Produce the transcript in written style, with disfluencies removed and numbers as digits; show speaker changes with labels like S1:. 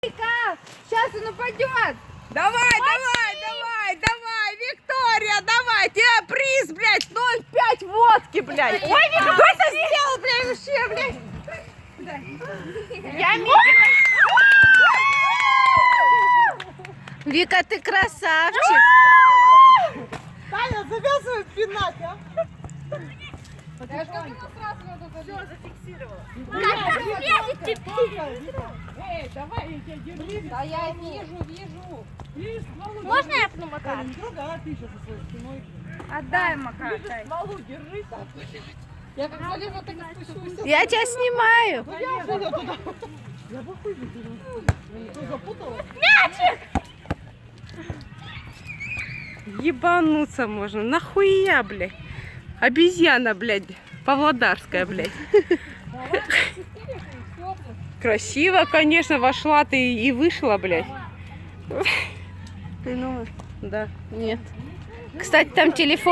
S1: Сейчас он упадет.
S2: Давай, Виктория, давай, тебе приз, блядь, 0,5 водки, блядь. Ой, Вика, кто это сделал, блядь, вообще, блядь?
S1: Я Микки. Вика, ты красавчик.
S2: Таня, завязывай пинать, а?
S1: Я же говорила, сразу надо зафиксировала.
S2: Эй, давай, я тебя держу.
S1: Да я вижу.
S3: Можно я помогаю?
S2: Не трогай, а ты сейчас со своей спиной.
S1: Отдай, Макар.
S2: Смолу держи так. Я как залезу, так и спущусь.
S1: Я тебя снимаю.
S2: Я бы хуй выдернул. Ты запутала?
S4: Ебануться можно. Нахуя, блядь? Обезьяна, блядь. Павлодарская, блядь. Красиво, конечно, вошла ты и вышла, блядь. Ты ну, да, нет. Кстати, там телефон.